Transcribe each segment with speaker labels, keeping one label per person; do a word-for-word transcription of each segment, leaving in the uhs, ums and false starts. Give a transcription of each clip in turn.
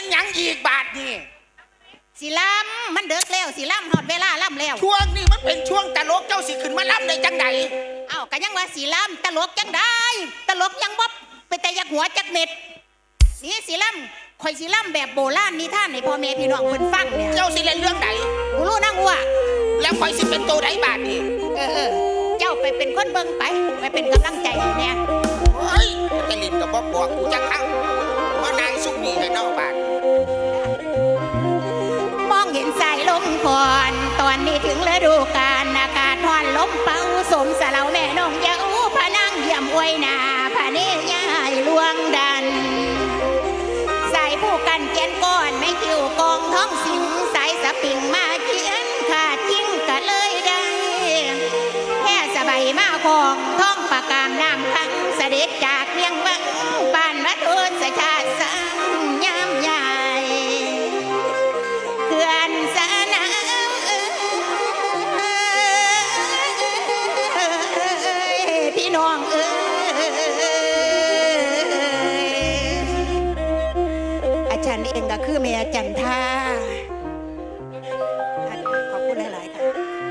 Speaker 1: นหยังอีกบาทนี่
Speaker 2: สิล่ำมันเดือกแล้วสิล่ำหอดเวลาล่ำแล้ว
Speaker 1: ช่วงนี้มันเป็นช่วงตลกเจ้าสิขึ้นมาล่ำได้จังใด
Speaker 2: เอ้าก็ยังว่าสิล่ำตลกจังได้ตลกยังบ๊อบไปแต่ยักหัวจักเม็ดนี่สิล่ำข่อยสิล่ำแบบโบราณนิทานให้พ่อแม่พี่น้องเพิ่นฟังเนี่ย
Speaker 1: เจ้าสิเล่นเรื่องใด
Speaker 2: กูรู้นั่งว่า
Speaker 1: แล้วข่อยสิเป็นตัวใดบาทนี่
Speaker 2: เออเจ้าไปเป็นคนเบิ่งไปไปเป็นกำลังใจเนี่ย
Speaker 1: เฮ้ยจะลินกับบ๊อบบอกกูจังครั้งว่านายสุกนี่ให้นอกบาท
Speaker 2: มองเห็นสายลมก่อนตอนนี้ถึงฤดูกาลอากาศร้อนลมเป่าสมสะเหลาแม่น้องยาอูพะนั่งเยี่ยมอวยนาพะเนยายลวงดันสายผู้กันเกียนก้อนไม่คิวกองท้องสิงสายสปริงมาเขียนขาดจิ้งกะเลยได้แค่สบายมาของท้องปากกามน้ำพังเสด็จจากเมียงวังปานวัดโอสชาติสังยามใหญ่เขื่อนสะน้ำพี่น้องเอ้ยอาจารย์เองก็คือแม่จันทาขอบคุณหลายๆค่ะ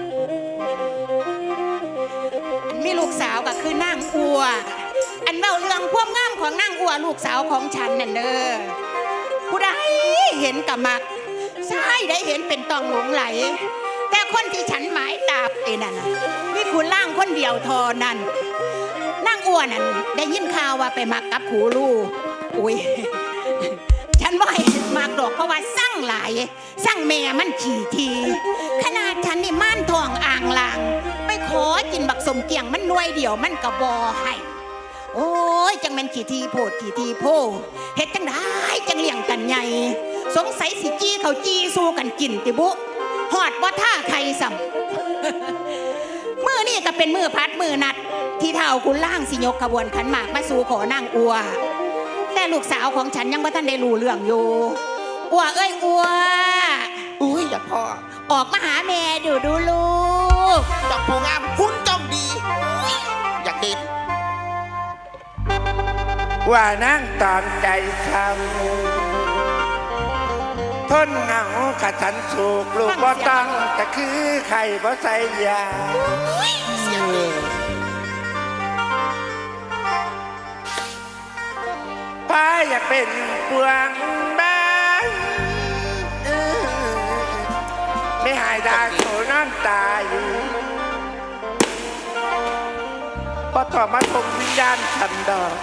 Speaker 2: อันมีลูกสาวก็คือนางอัวอันเล่าเรื่องความงามของนางอัวลูกสาวของฉันนั่นเด้อผู้ใดเห็นกับมักใช่ได้เห็นเป็นตองหลงไหลแต่คนที่ฉันหมายตาเอ็นั่นน่ะมีคุณล่างคนเดียวทอนั่นนางอัวนั่นได้ยินข่าวว่าไปมักกับผูลูอุ้ยฉันว่าให้มากดอกเพราะว่าสั่งหลายสั่งแม่มันขี่ทีขนาดฉันนี่ม่านทองอ่างลางไปขอกินบักสมเกียงมันหน่วยเดียวมันกระบอให้โอ้ยจังแม่นขี่ทีโพดขี่ทีโพเฮ็ดจังได้จังเลี้ยงกันใหญ่สงสัยสิจี้เขาจี้สู้กันกินติบุหอดว่าท่าใครสัมมือนี่ก็เป็นมือพัดมือนัดที่เท่าคุณล่างสิยกขบวนขันหมากมาสู่ขอนางอัวแต่ลูกสาวของฉันยังไม่ทันได้รู้เรื่องอยู่อัวเอ้ยอัว
Speaker 1: อุ้ยอย่าพ่อ
Speaker 2: ออกมาหาแม่ดูดูลูก
Speaker 1: จอกผู้งามหุ่นจ้องดีอยากเห็น
Speaker 3: ว่านั่งตามใจทำทนเหงากะฉันสูกลูกบ่ต้องแต่คือไข่บ่ใส่ยาป้าอยากเป็นปวงบ้านไม่หายดาโขน้ำตาอยู่พอต่อมาทงวิญญาณฉันดอก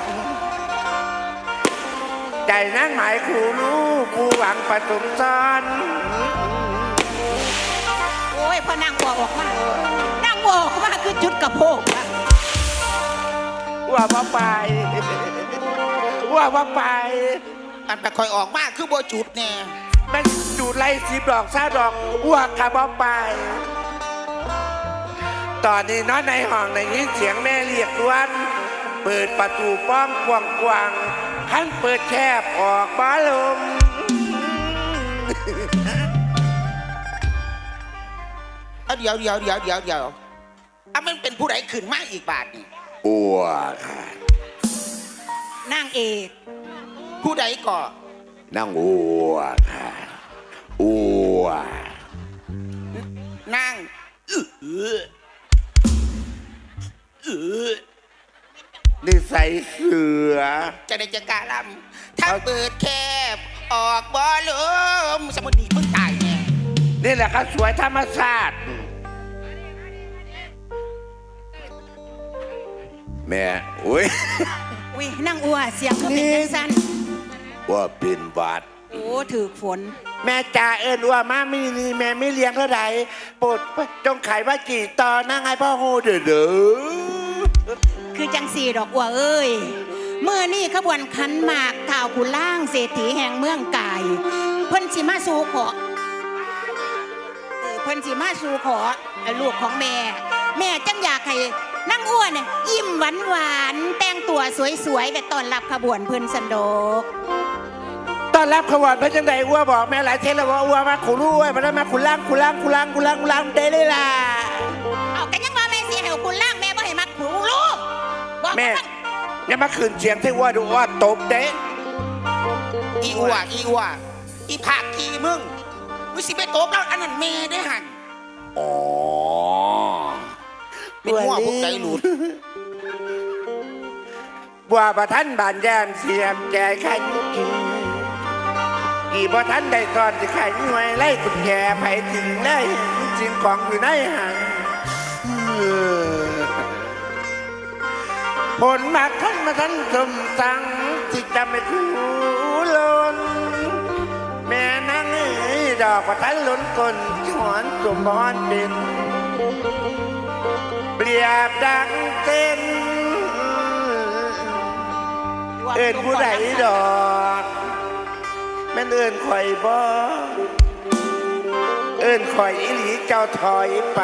Speaker 3: ใจนั่งหมายคู่รู้ผู้หวังประตุมซ้อน
Speaker 2: โอ้ยพอนางวัวออกมานางวัวออกมาคือจุดกระโปง
Speaker 3: ว่าว่าไปว่าว่าไป
Speaker 1: อันไปคอยออกมาคือโบจุดเนี่ย
Speaker 3: มันจุดไล่สีดอกซาดอกว่ากับว่าไปตอนนี้น้อยในห้องในยินเสียงแม่เรียกล้วนเปิดประตูป้องกวางกวางขั้นเปิดแคบออกบ้าลม
Speaker 1: เดี๋ยวเดี๋ยวเดี๋ยวเดี๋ยวเดี๋ยวอ่ะมันเป็นผู้ใดขึ้นมาอีกบาทนี่
Speaker 3: อัวค่ะ
Speaker 2: นางเอก
Speaker 1: ผู้ใดก่อน
Speaker 3: นางอัวค่ะอัวน
Speaker 1: างเออเออ
Speaker 3: นิสัยเสือ
Speaker 1: จะได้จะกล้าลำถ้าเปิดแคบออกบอลมสมุนนีเพิ่งตายเนี่ย
Speaker 3: นี่แหละครับสวยธรรมชาติแม่อุ้ย
Speaker 2: อุ้ยนั่งอัวเสียงก็เป็นสั้น
Speaker 3: ว่าเป็นบาด
Speaker 2: โอ้ถือฝน
Speaker 3: แม่จ่าเอิญว่ามามีนี่แม่ไม่เลี้ยงเท่าไหร่ปดจงขายว่ากี่ตอนนั่งไงพ่อโหเด้อเด้อ
Speaker 2: คือจังสีดอกอัวเอ้ยเมื่อนี่ขบวนขันหมากข่าวกุล่างเศรษฐีแห่งเมืองกายเพิ่นสิมาสู่ขอเออเพิ่นสิมาสู่ขอลูกของแม่แม่จังอยากให้นั่งอ้วนเนี่ยยิ้มหวานหวานแต่งตัวสวยๆไปต้อนรับขบวนเพิ่นสันโดก
Speaker 3: ต้อนรับขบวนเพิ่นจังใดอ้วบอกแม่หลายเทศแล้วว่าอ้วมาขุรู้ไว้มาได้มาขุล่างขุล่างขุล่างขุล่างขุล่างเด้เลยล่ะ
Speaker 2: เอากันยังว่าแม่เสียให้ขุล่างแม่บ่ให้มาขุรู้
Speaker 3: แม่อย่ามาขืนเสียงที่อ้วดูอ้วตบเด้
Speaker 1: อีอ้วอีอ้วอีผากขี้มึงมึงสิไปโตบแล้วอันนั้นแม่ได้หัน
Speaker 3: อ๋อ
Speaker 1: เป็นหัวพวกใจหลุด
Speaker 3: บัวประทันบานแยมเสียมแก่ขันกินกี่ประทันได้ก่อนจะขันหน่วยไล่กุญแจไปถึงได้จริงของอยู่ในหันผลมาทันมาทันสมสังจิตจำไม่คูลนแม่นั่งเอ้ยดอกประทันล้นกลหอนสมบอนเป็นเปรียบดังเต้นเอิ้นผู้ใดดอกแม่นเอิ้นข่อยบ่เอิ้นข่อยอีหลีเจ้าถอยไป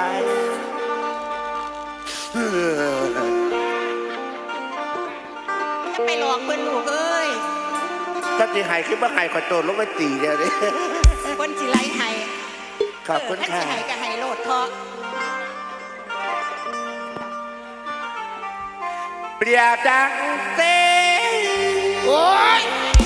Speaker 2: ไปหลอกเพิ่นลูกเอ้ย
Speaker 3: ถ้าสิหายคือบ่หายข่อยโตลงไปตีเดียวนี้
Speaker 2: เพิ่นสิไล่ให้
Speaker 3: ขอบคุณ
Speaker 2: เออ
Speaker 3: ค่ะ
Speaker 2: ท่านสิให้ก็ให้โลดเถาะ
Speaker 3: เปรียบดังเต้น
Speaker 1: โอ้ย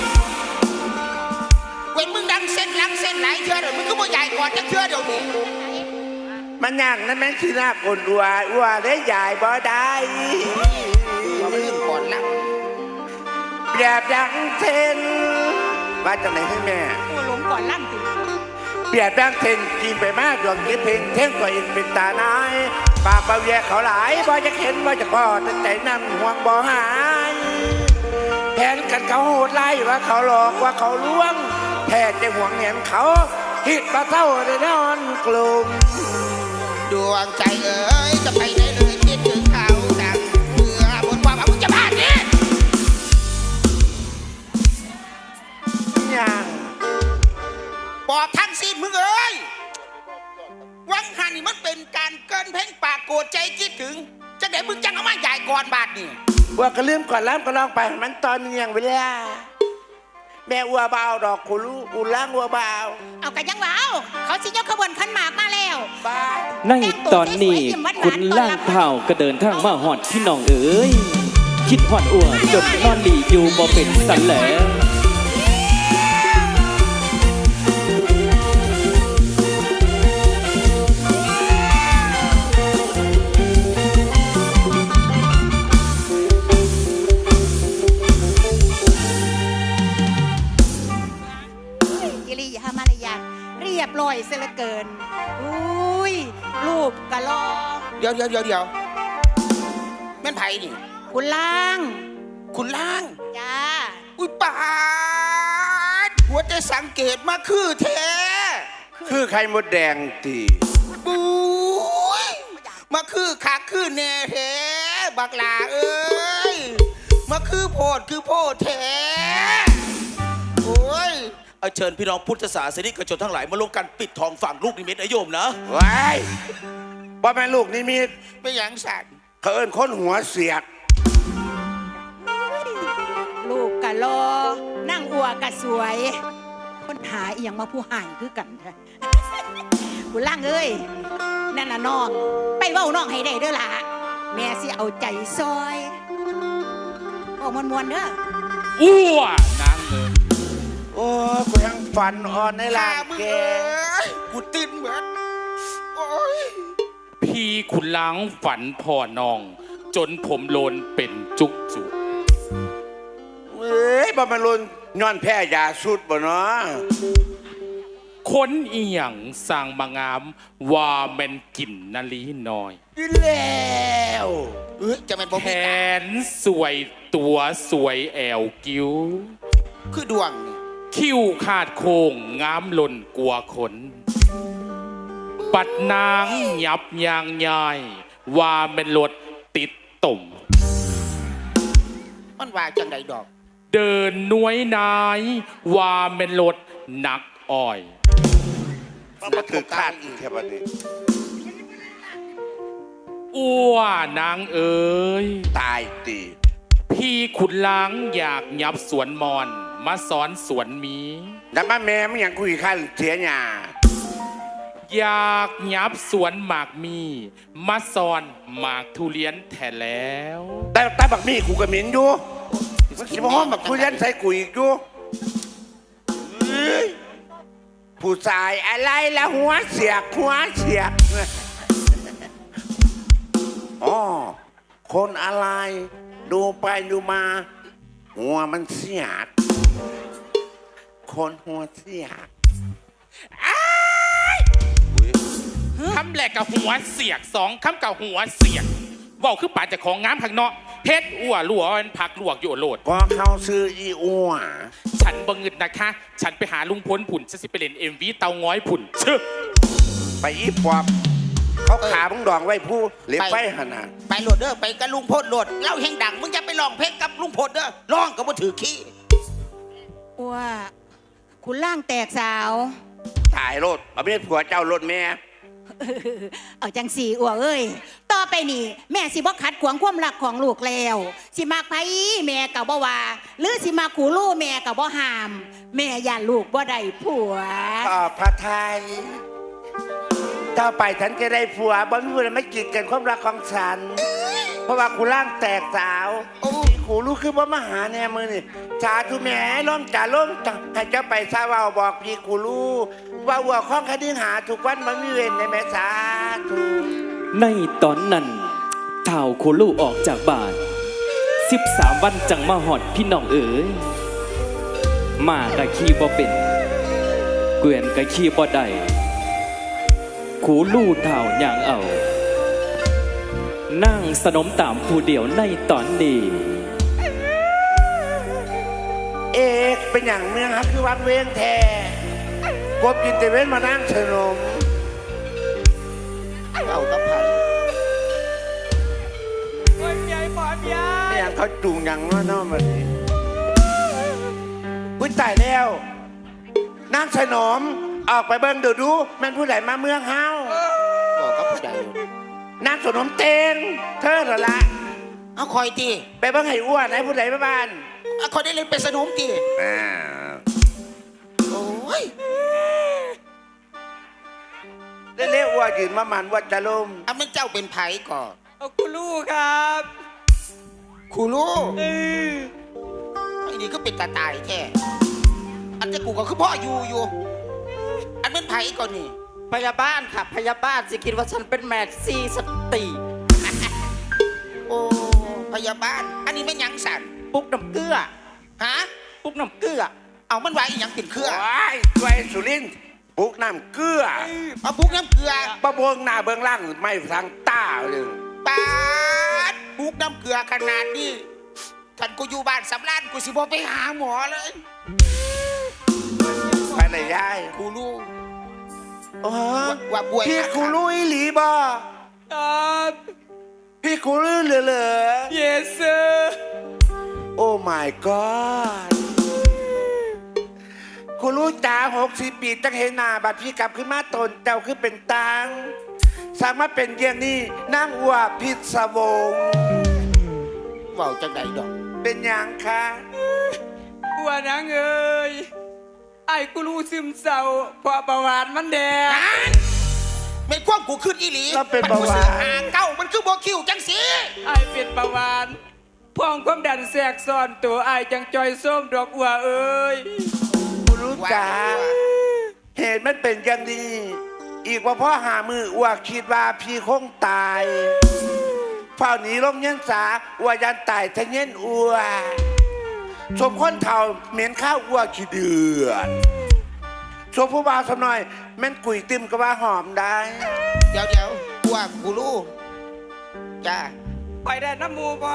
Speaker 1: เว้นมึงดังเส้นหลังเส้นไหลเชื่อเดี๋ยวมึงก็บ่ใหญ่ก่อนจะเชื่อเดี๋ยวนี้
Speaker 3: มันย่างนั้นแม่งคือหน้าคนอัวอัวได้ใหญ่บ่ได้
Speaker 1: ว่ามันเรื่องก่อนละ
Speaker 3: เปรียบดังเต้นว่าจังไหนให้แม่
Speaker 2: ผู้หลงก่อนลั่นติ
Speaker 3: เปรียบดังเทนกินไปมากดวงคิดเพลงเท่งตัวเองเป็นตาหนายปากเบาแย่เขาหลายบ่จะเห็นบ่จะพอแต่ใจนั่นห่วงบ่หายแทนกันเขาโหดไล่ว่าเขาหลอกว่าเขาลวงแท้จะห่วงเห็นเขาหิดปลาเท่าได้นอนกลุ่ม
Speaker 1: ดวงใจเอ๋ยจะไปไหนเลยคิดถึงเขาดังเมื่อบนความว่ามึงจะบ้าเนี่ย
Speaker 3: ย่าง
Speaker 1: บอกทั้งสิ้นมึงเอ้ยวังหันนี่มันเป็นการเกินเพ่งปากโกรธใจคิดถึงจะไหนมึงจังเอามาใหญ่ก่อนบาทนี่
Speaker 3: ว่าก็ลืมก่อนล้ำก็ลองไปมันตอนเนียงเวลาแม่อัวเบาดอกกูรู้กูล้างอัวเบา
Speaker 2: เอากันยังว่าเอาเขาสิยกขบวนขันหมากมาแล้ว
Speaker 3: บ้า
Speaker 4: ในตอนนี้คุณล่างเท้าก็เดินทางมาหอดพี่น้องเอ๋ยคิดหอดอ้วนจนนอนหลีอยู่บ่เป็นสันแหล้ว
Speaker 2: กิริยามารยาทเรียบร้อยเสียเหลือเกินอุ้ยรูปกะลอ
Speaker 1: เดี๋ยวเดี๋ยวเดี๋ยวเดี๋ยวแม่นไผ่นี่
Speaker 2: คุณล่าง
Speaker 1: คุณล่าง
Speaker 2: จ้า
Speaker 1: อุ้ยปาดหัวใจสังเกตมาคือแท้
Speaker 3: คือไข่มดแดงตี
Speaker 1: ปุ้ยมาคือขาคือแน่แท้บักหลาเอ้ยมาคือโพดคือโพดแท้โอ้ยเอาเชิญพี่น้องพุทธศาสนิกชนทั้งหลายมาร่วมกันปิดทองฝั่งลูกนิมิตนะโยมนะ
Speaker 3: ว้ายว่าแม่ลูกนี่มี
Speaker 1: ไม่หยังสัตว์
Speaker 3: เขาเอิ้นคนหัวเสียก
Speaker 2: ลูกกะลอนั่งอัวกะสวย คนหาอีหยังมาผู้หายคือกันแท้ คุณล่างเอ้ยนั่นน่ะน้องไปเว้าน้องให้ได้เด้อล่ะแม่สิเอาใจซอยโอ้มวนๆเด้อ
Speaker 4: อ้วนางเอ๋ย
Speaker 3: โอ้กูยังฝันอ่อนในลา
Speaker 1: ข้าง มึง
Speaker 3: แก
Speaker 1: เอ้ยกูตื่นเหมือนโอ้ย
Speaker 4: พี่ขุนล้างฝันพ่อน้อง จนผมโลนเป็นจุกจุก
Speaker 3: เอ้ยบ่มาลุนย้อนแพ้ยาสุดบ่เนาะ
Speaker 4: คนอีหยังสร้างมางามว่าแม่นกินนาลีน้อย
Speaker 3: กินแล้ว
Speaker 1: เอ้ยจะเป็นบ่
Speaker 4: แข
Speaker 1: มีตาน
Speaker 4: สวยตัวสวยแอวกิ้ว
Speaker 1: คือดวงนี่
Speaker 4: คิ้วขาดโค้งงามหล่นกลัวขน ปัดนางหยับยางยายว่าเป็นรถติดต่ม
Speaker 1: มันว่าจังใดดอก
Speaker 4: เดินน้วยนายว่าเป็นรถหนักอ้อย
Speaker 3: มันมาถือคาดอีกแค่บัดนี้
Speaker 4: อ้วนางเอ๋ย
Speaker 3: ตายตี
Speaker 4: พี่ขุนล้างอยากยับสวนมอน มาสอนสวนหมี
Speaker 3: แล้วมาแม่มันยังคุยขั้นเสียหยา
Speaker 4: อยากยับสวนหมากมี มาสอนหมากทุเรียนแท้แล้ว
Speaker 3: แต่แต่บักมี่กูก็เหม็นอยู่มันคิดว่าห้องบักคุยยันใส่กูอีกอยู่เอ้ยผู้ชายอะไรละหัวเสียกหัวเสียกอ๋อคนอะไร ดูไปดูมา หัวมันเสียกคนหัวเสียก
Speaker 4: คำแรกกับหัวเสียกสองคำกับหัวเสียกบอกคือป่าจากของงามข้างนอกเพชรอ้วลัวเป็นผักลวกอยู่โหลด
Speaker 3: ก็เข้าซื้ออีอ้ว
Speaker 4: ฉันบังเงินนะคะ ฉันไปหาลุงพลผุ่นฉันสิไปเล่นเอ็มวีเตาง้อยผุ่นเชื่อ
Speaker 3: ไปอีปอบเขาขาบังดองไว้ผู้เล็บไฟหนนา
Speaker 1: ไปโหลดเด้อไปกับลุงพลโหลดเล่าแห่งดังมึงจะไปร้องเพลงกับลุงพลเด้อร้องก็บ่ถือขี้
Speaker 2: อัวคุณล่างแตกสาว
Speaker 3: ถ่ายรถเอาไม่ผัวเจ้ารถแม่
Speaker 2: เอาจังสีอัวเอ้ยต่อไปนี่แม่สิบ่ขัดขวางความรักของลูกแล้วสิมากไผแม่กับบ่ว่าหรือสิมาขู่ลูกแม่กับบ่ห้าม แม่ย่านลูกบ่ได้ผัว
Speaker 3: ขอบพระทัยต่อไปฉันจะได้ผัวบ่มีวันไม่กีดกันความรักของฉัน เพราะว่ากูร่างแตกสาวกูรู้คือว่ามาหาแน่มือนี่ชาทุแม่ล้มจ่าล้มจ่าให้เจ้าไปซาเวาบอกพี่กูรู้ว่าวัวข้องคดีหาทุกวันมันมีเวรในแม่สาธุ
Speaker 5: ในตอนนั้นเท่าโคลูออกจากบ้านสิบสามวันจังมาหอดพี่น้องเอ๋ยมากะขี้บ่เป็นเกวียนกะขี้บ่ได้ขูลู่เท่าอย่างเอานั่งสนมตามผู้เดียวในตอนนี้
Speaker 3: เอกเป็นอย่างเมืองฮะคือวังเวงแท้กบกินแต่เว้นมานั่งเฉนม
Speaker 1: เอาตะไผ่
Speaker 3: ไม่อย่างเขาจูงอย่างว่าน้อมาดิพุ้ยตายแล้วนั่งเฉนมออกไปเบิ้งเดี๋ยวดูแม่นผู้ใดมาเมืองเฮา
Speaker 1: บอกกับผู้ใด
Speaker 3: นั่งสนมเตงเธอเหรอละ
Speaker 1: เอาคอยตี
Speaker 3: ไปเบิ้งให้อ้วนให้ผู้ใดมาบ้าน
Speaker 1: เอาคอยได้เล่นเป็นสนมตี
Speaker 3: อ่า
Speaker 1: โอ้ย
Speaker 3: เรียกอ้วนยืนมามันว่าจะล้ม
Speaker 1: เอามันเจ้าเป็นไผ่ก่อน
Speaker 6: เอาคุณลูกครับ
Speaker 1: ครูลูก
Speaker 6: เออ
Speaker 1: ไอ้นี่ก็เป็นตาตายแท้อันจะกูก็คือพ่ออยู่อยู่อันเป็นไผ่ก่อนนี่
Speaker 6: พยาบาลค่ะพยาบาลสิคิดว่าฉันเป็นแมดซีสติ
Speaker 1: โอ้พยาบาลอันนี้เป็นหยังสัน
Speaker 6: ปุกน้ำเกลือ
Speaker 1: ฮะ
Speaker 6: ปุกน้ำเกลือ
Speaker 1: เอามันไว้อีหยังเป็นเครือ
Speaker 3: ว้ายช่วยสุรินทร์ปลูกน้ำเกลือ
Speaker 1: เอาพุกน้ำเกลือ
Speaker 3: ปะเบิงหน้าเบิงล่างไม่ทางต้าเลย
Speaker 1: ปาดพุกน้ำเกลือขนาดนี้ท่านกูอยู่บ้านสำรานกูสิบอไปหาหมอเลย
Speaker 3: ไปเลยยาย
Speaker 1: ครูลูก
Speaker 3: โอ้
Speaker 1: ว่าว่าป่วย
Speaker 3: พี่
Speaker 1: นะ
Speaker 3: ครูลุยหลีบอ
Speaker 6: ครับ
Speaker 3: พี่ครูลุยเหลือเหลือ
Speaker 6: yes sir
Speaker 3: โอ้ my god ครูลุยจ๋าหกสิบปีตั้งเห็นหน้าบัดพี่กลับขึ้นมาตนเจ้าขึ้นเป็นตังสามารถเป็นเยี่ยงนี้นั่งอัวพิศวง
Speaker 1: เว่าจังใดดอก
Speaker 3: เป็นอย่างคะ
Speaker 6: อ้วนนังเอ้ยไอ้กูรู้ซึมเศร้าเพราะประวัติมันแดง
Speaker 1: นั่นไม่ควบกูขึ้นอีหลี
Speaker 3: เราเป็นเบาหวา
Speaker 1: มัคือหาน เก้ามันคือโบคิวจังสี
Speaker 6: ไอ้เป็นประวัติพ่องความดันแทรกซ้อนตัวไอ้จังจอยส้มดอกอัวเอ้ย
Speaker 3: ครูลุยจ๋าเหตุมันเป็นอย่างนี้ อีกว่าพ่อหามืออ้วกคิดว่าพี่คงตายเฝ้าหนีลงเงี้ยนสาอ้วยันตายทะเงี้ยนอ้วสมคนเท่าเหม็นข้าวอ้วขี้เดือดสมผู้บ่าวสำน้อยแม่นกุยติมก็ว่าหอมได้
Speaker 1: เดี๋ยวเดี๋ยวกูว่ากูรู้จ้า
Speaker 6: ไปได้น้ำมูบ่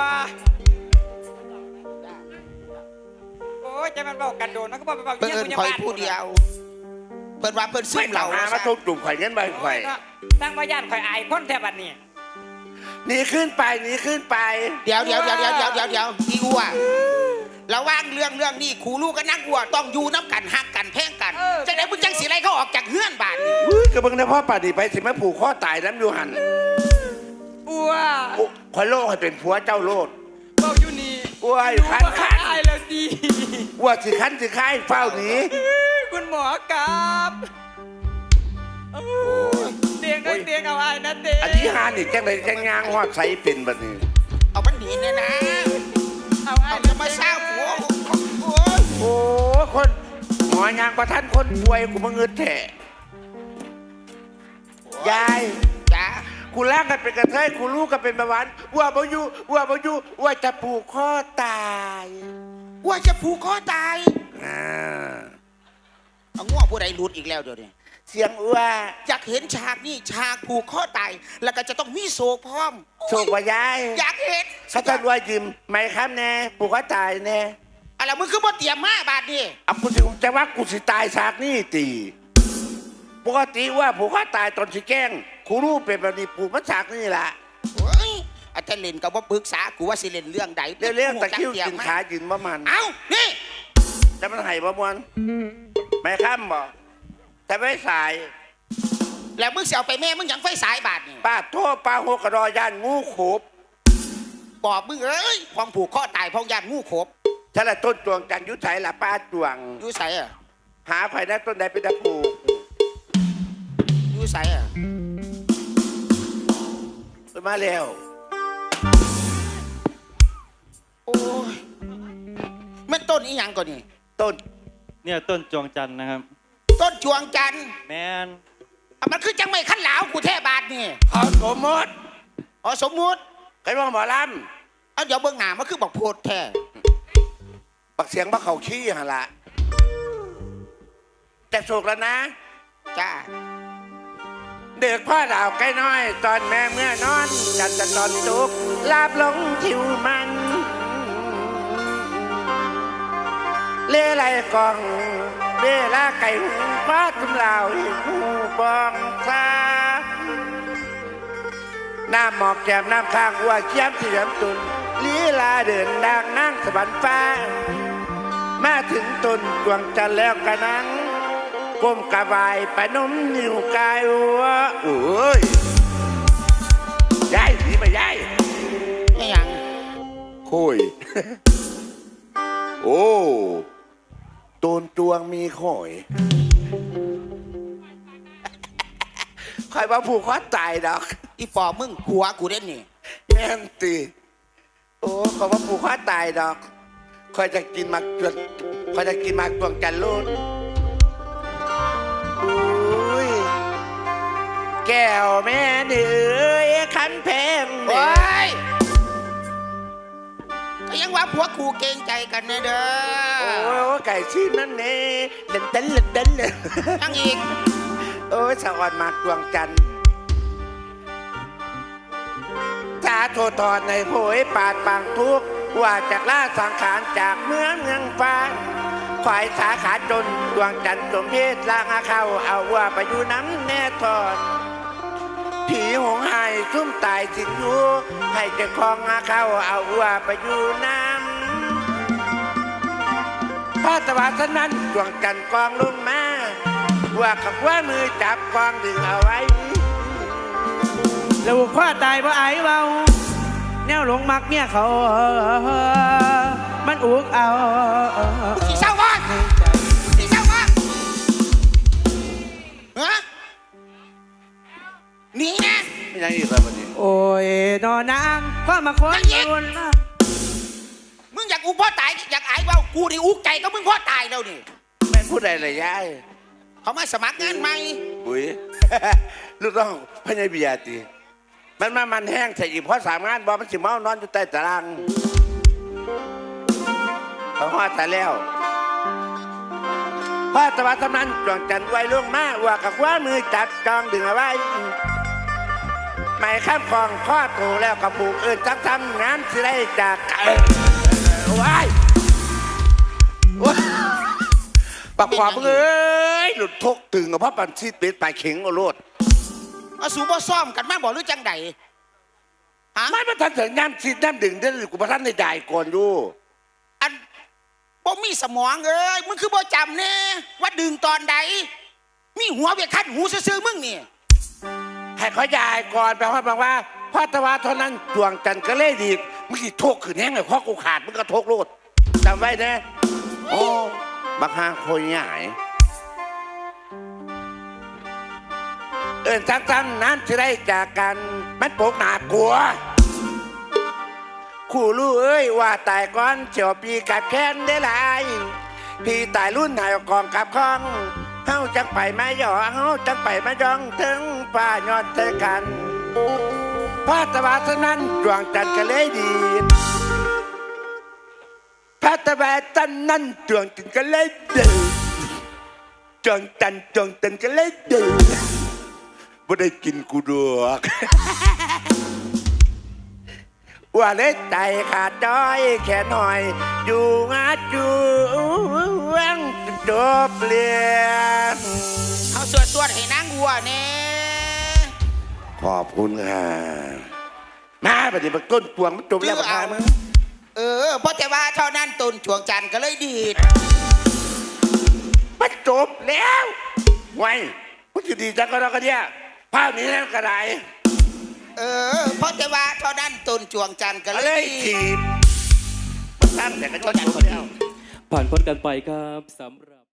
Speaker 6: โอ้ยใจมันบอกกันโดนมันก็บอกไปบอก
Speaker 1: เพิ่น
Speaker 6: เยี่ยม
Speaker 1: เอิน
Speaker 6: คุณยา
Speaker 1: คอย
Speaker 6: บ้าน
Speaker 1: ผู้เดียวเพิ่นว่าเพิ่นซึ
Speaker 3: ไม่
Speaker 1: ม
Speaker 3: เห
Speaker 1: เห
Speaker 3: ล่า
Speaker 1: ล่า
Speaker 3: หามาทุบจุ่มข่อยเงี้ยใบข่อย
Speaker 6: ตั้งมาย่านข่อยอายคนแทบบัดนี้
Speaker 3: หนีขึ้นไปหนีขึ้นไป
Speaker 1: เดี๋ยวเดี๋ยวเดี๋ยวเดี๋ยวเดี๋ยวเดี๋ยวเดี๋ยวอีอัวระว่างเรื่องเรื่องนี้ครูลูกกับนักอัวต้องอยู่น้ำกันหักกันแพ่งกันจะได้มึงจังสีไรเขาออกจากเฮือนบาทนี่
Speaker 3: อุ้ยกระเบื้องได้พ่อป่าดีไปสิแม่ผูกข้อตายน้ำอยู่หัน
Speaker 6: อ้ว
Speaker 3: โอ้ข่อยโลกให้เป็นผัวเจ้าโลด
Speaker 6: บอกอยู่นี่
Speaker 3: อ้วย
Speaker 6: รู้
Speaker 3: คัน
Speaker 6: ว่า
Speaker 3: คั
Speaker 6: ขาน ยแล้วดี
Speaker 3: ว่าสิคันสิค่ายเฝ้าหนี
Speaker 6: คุณหมอครับเตียงก็เตียงเอาไอ้นะเตียง
Speaker 3: อันที่หานี่จังไดจังยางหอดใสเป็นแบบนี้
Speaker 1: เอามันหนีเนี่ยนะ
Speaker 6: เอาไอ้
Speaker 1: เอา
Speaker 6: นะ
Speaker 1: จะมาเศร้าหัวโอ้ย
Speaker 3: โอ้คนหมออยางประท่านคนป่วยกูมาเงินแถยาย
Speaker 1: จ้า
Speaker 3: กูล่างกันเป็นกระเทยกูลูกกันเป็นเบาหวานว่าบ่อยู่ว่าบ่อยู่ว่าจะผูกคอตาย
Speaker 1: ว่าจะผูกคอตาย
Speaker 3: อ่า
Speaker 1: เอาง้อผู้ใดหลุดอีกแล้วเดี๋ยวนี้
Speaker 3: เสียงว่า
Speaker 1: อยากเห็นฉากนี่ฉากผูกคอตายแล้วก็จะต้องมีโศกพร้อม
Speaker 3: โชคว่ายาย
Speaker 1: อยากเห็น
Speaker 3: เขาจะรวยยืมไหมครับแน่ผูกคอตายแน่
Speaker 1: อะไรมึงคือบ่เตรียมมาบาดนี่
Speaker 3: เอากูสิจะว่ากูสิตายฉากนี่ตีปกติว่าผูกคอตายตอนสิแกล้งกูรู้เป็นแบบนี้ผูกมันฉากนี่แหละ
Speaker 1: โอ้ยอาจารย์เล่นกับว่าปรึกษากูว่าสิเล่นเรื่องใด
Speaker 3: เรื่องเรื่องตะคริวกินขายืนประมัน
Speaker 1: เอ้านี่
Speaker 3: จะมันไห้ประมวลไม่ข้ามบ่แต่ไม่สาย
Speaker 1: แล้วมึงเสียไปแม่มึงยังไฟสายบาดนี่
Speaker 3: ป้าโทษป้าหกกระดอยานงูขบ
Speaker 1: บอกมึงเอ้ยพองผูกคอตายพองยานงูขบ
Speaker 3: ถ้าละต้นจวงจันทร์ยุทธไสละป้าจวง
Speaker 1: อยู่ใส่อะ
Speaker 3: หาไผ่ได้ต้นใดเป็นตะปู
Speaker 1: อยู่ใส่อะ
Speaker 3: ไปมาแล้ว
Speaker 1: โอ้ยแม่นต้นอีหยังก่อนนี่
Speaker 3: ต้น
Speaker 5: เนี่ยต้นจวงจันทร์นะครับ
Speaker 1: ต้นจวงจันทร์
Speaker 5: แมน
Speaker 1: อ่ะมันคือจังไม่ขั้นเหลาวกูแท้บาดนี่
Speaker 3: เขาสมมติ
Speaker 1: อ๋อสมมุติ
Speaker 3: ใครว่าหมอล
Speaker 1: เอาเดี๋ยวเบื้องหน้ามันคือบอกโพดแท้
Speaker 3: ำปักเสียงบักเขาขี้หนละแต่โศกแล้วนะ
Speaker 1: จ้า
Speaker 3: เด็กพ่อดาวใกล้น้อย ตอนแม่เมื่อนอน จันจะตอนตุกลาบลงทิวมัน เล่ไรกองเวลาไก่หูฟ้าทุ่มลาวหูบองซาน้ำหมอกแก้มน้ำข้างวัวเขี้ยมที่เหลี่ยมตุนลีลาเดินดังนั่งสวรรค์ฟ้า มาถึงต้นดวงจันทร์แล้วกะนังก้มกระบายปนมนิ้วกายวัวโอ้ยยายหนีไปยาย
Speaker 1: ไม่หยัง
Speaker 3: คุย โอ้ต้นจวงมีข่อยคอยว่าผูกคอตายดอก
Speaker 1: อีปอบมึงผัวกูเด่นนี่
Speaker 3: แม่นตีโอ้ขอยว่าผูกคอตายดอกคอยจะกินหมากจวงคอยจะกินหมากจวงจันทร์ลูนโอ้ยแก้วแม่เดือยขันเพง
Speaker 1: โอ้
Speaker 3: เด้อย
Speaker 1: ก็ยังว่าผัวกูเกรงใจกันนะเด้
Speaker 3: โอ้
Speaker 1: อย
Speaker 3: ไก่ชิ้นนั่นเน่เล่นเต้นเล่นเต้นเลย
Speaker 1: ยังอีก
Speaker 3: โอ้ยสวรรค์มากดวงจันทร์ถ้าโทษทอนในโผยปาดปางทุกข์ว่าจากล่าสังขารจากเมืองเมืองฟ้าฝ่ายสาขาจนดวงจันทร์สมเพศลางอาเข้าเอาว่าไปอยู่น้ำแน่ทอดผีหงหายซุ่มตายสิงอยู่ให้เจ้าของอาเข้าเอาว่าไปอยู่น้ำพระตะวันนั้นดวงจันทร์กองลงมาว่ากับว่ามือจับกองดึงเอาไว้
Speaker 6: แล้วพ่อตายเพราะไอ้เบาแนวหลงมักเมียเขา มันอุกเอา
Speaker 1: สีเศร้าวะสีเศร้าวะฮะหนีนะ
Speaker 3: ไม่ยังอีกแล้ววันนี้
Speaker 6: โอ้ยนอนางพ่อมาคนรุน
Speaker 1: มึงอยากอุกพ่อตายอยากอายเปล่ากูนี่อุกใจก็มึงพ่อตายแล้วนี่
Speaker 3: แม่นพูดอะไรเลยยาย
Speaker 1: เขามาสมัครงานใหม่
Speaker 3: อุ้ย ลูกต้องพญาบิยาตีมันมามันแห้งใส่อีกเพราะสามงานบอมันสิเมานอนอยู่ใต้ตารางเขาหอดแต่แล้วพ่อตะวันตำนั้นดวงจันทร์ไว้ล่วงมาว่ากับว่ามือจับจองดึงเอาไว้ไม่ข้ามคลองข้อโตแล้วกับผูกเอินจักทำงานสิได้จากเออว้ายว้ายปักขวาเอ้ยหลุดทกตึงกับพ่อปันซีดเป็ดปลายเข็งโอโลด
Speaker 1: เอาสูบ่ซ่อมกันมาบอกหรือจังใดฮะ
Speaker 3: ไม่มาทันถึงน้ำซีดน้ำดึงได้กูมาทันในจ่ายก่อนอยู่
Speaker 1: อันบ่มีสมองเอ้ยมึงคือบ่จำแน่ว่าดึงตอนใดมีหัวเวียคัดหูซื่อๆมึงนี่
Speaker 3: ให้เขาจ่ายก่อนแปลว่าบอกว่าพ่อตะวันเท่านั้นดวงจันทร์ก็เล่ดีมึงสิโทกขืนแห้งเลยเพราะกูขาดมึงก็โทกโลดจำไว้นะโอ้บักฮาโคยใหญ่เอินจักจันนั้นจะได้จากกันมันโปกหนากลัวขู่ลูกเอ้ยว่าตายก่อนเฉียวปีกับแค้นได้หลายพี่ตายรุ่นหายกองกับข้องเฮาจังไปมาหย่อเฮาจังไปมาย่องถึงป่ายอดเจอกันพาตะวาสนั้นดวงจันทร์ก็เลยดีพาตะวาสนั้นดวงจันทร์ก็เลยดีดวงจันทร์ดวงจันทร์ก็เลยดีบ่ได้กินกูดอกว่าเล็ดใจขาดจ้อยแค่หน่อยอยู่งาจูวังจบเรียน
Speaker 1: เอาสวดสวดให้นางอัวแน่
Speaker 3: ขอบคุณค่ะมาปฏิบัติต้นปวงมันจบแล้วค่ะมึง
Speaker 1: เออเพราะแต่ว่าเท่านั้นตนช่วงจันทร์ก็เลยดีด
Speaker 3: มันจบแล้วไว้มันจะดีจังก็แล้วกันเนี่ยภาพนี้แล้วกระไร
Speaker 1: เออเพราะแต่ว่าเท่านั้นตนช่วงจันทร์ก็
Speaker 3: ก็
Speaker 1: เล
Speaker 3: เลย ย
Speaker 1: ดี
Speaker 3: ถี
Speaker 1: ด
Speaker 3: บมันตั้งแต่ก็จบแล้ว
Speaker 5: ผ่านพ้นกันไปครับสำหรับ